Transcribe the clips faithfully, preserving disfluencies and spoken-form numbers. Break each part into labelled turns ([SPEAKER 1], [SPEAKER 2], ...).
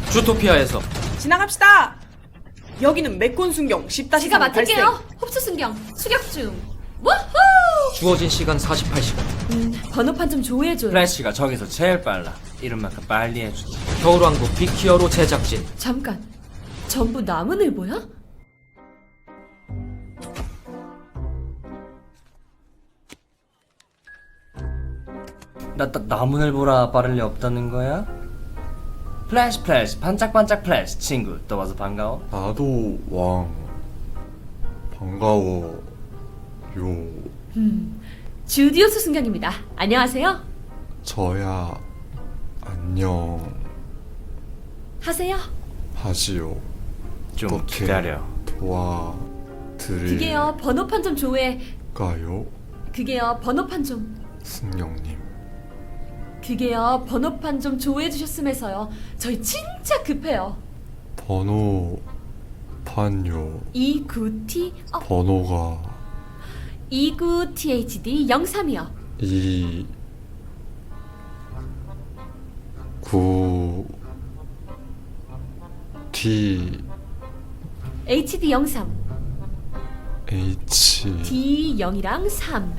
[SPEAKER 1] 주토피아에서
[SPEAKER 2] 지나갑시다. 여기는 메콘 순경 십 다시
[SPEAKER 3] 제가
[SPEAKER 2] 삼
[SPEAKER 3] 맡을게요.
[SPEAKER 2] 발생.
[SPEAKER 3] 흡수 순경 추격 중. 우후!
[SPEAKER 1] 주어진 시간 사십팔 시간.
[SPEAKER 3] 음, 번호판 좀 조회해줘요.
[SPEAKER 4] 플래시가 저기서 제일 빨라. 이런 만큼 빨리 해주지.
[SPEAKER 1] 겨울왕국 빅히어로 제작진.
[SPEAKER 3] 잠깐, 전부 나무늘보야?
[SPEAKER 4] 나, 나 나무늘 보라 빠를 리 없다는 거야? 플래시 플래시 반짝반짝 플래시 친구 또 와서 반가워.
[SPEAKER 5] 나도 왕 반가워 요.
[SPEAKER 3] 음, 주디오스 순경입니다. 안녕하세요.
[SPEAKER 5] 저야 안녕
[SPEAKER 3] 하세요.
[SPEAKER 5] 하지요.
[SPEAKER 4] 좀
[SPEAKER 5] 어떻게
[SPEAKER 4] 기다려.
[SPEAKER 3] 그게요, 번호판 좀 조회.
[SPEAKER 5] 도와드릴까요?
[SPEAKER 3] 그게요, 번호판 좀.
[SPEAKER 5] 승경님
[SPEAKER 3] 그게요, 번호판 좀 조회해 주셨으면서요. 저희 진짜 급해요.
[SPEAKER 5] 번호 판요.
[SPEAKER 3] 이구티 어,
[SPEAKER 5] 번호가
[SPEAKER 3] 이구티에이치디 영삼이요.
[SPEAKER 5] 이 구 T
[SPEAKER 3] 에이치디 영삼.
[SPEAKER 5] H
[SPEAKER 3] D 영이랑 삼.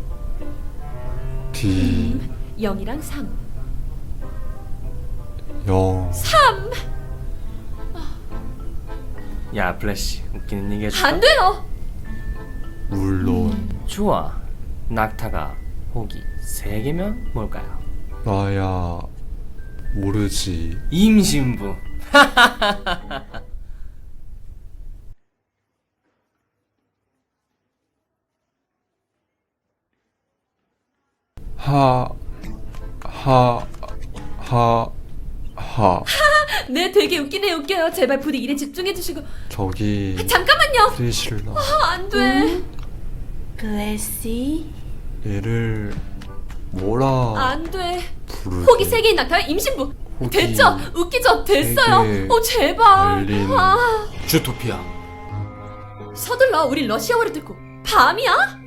[SPEAKER 5] D
[SPEAKER 3] 영이랑 삼.
[SPEAKER 5] 영.
[SPEAKER 3] 삼.
[SPEAKER 4] 야 플래시 웃기는 얘기 해줄까?
[SPEAKER 3] 안 돼요.
[SPEAKER 5] 물론
[SPEAKER 4] 좋아. 낙타가 호기 세 개면 뭘까요?
[SPEAKER 5] 나야 모르지.
[SPEAKER 4] 임신부.
[SPEAKER 5] 하, 하, 하, 하.
[SPEAKER 3] 네, 되게 웃기네. 웃겨요. 제발 부디 일에 집중해 주시고.
[SPEAKER 5] 저기
[SPEAKER 3] 잠깐만요.
[SPEAKER 5] 프리실라
[SPEAKER 3] 아, 안 돼.
[SPEAKER 2] 블레시.
[SPEAKER 5] 얘를 뭐라
[SPEAKER 3] 안 돼.
[SPEAKER 5] 부르지?
[SPEAKER 3] 호기 세 개인 낙타와 임신부.
[SPEAKER 5] 호기
[SPEAKER 3] 됐죠? 웃기죠? 됐어요.
[SPEAKER 5] 세 개.
[SPEAKER 3] 어, 제발.
[SPEAKER 5] 열린
[SPEAKER 3] 아,
[SPEAKER 1] 주토피아.
[SPEAKER 3] 서둘러. 우리 러시아어를 듣고. 밤이야?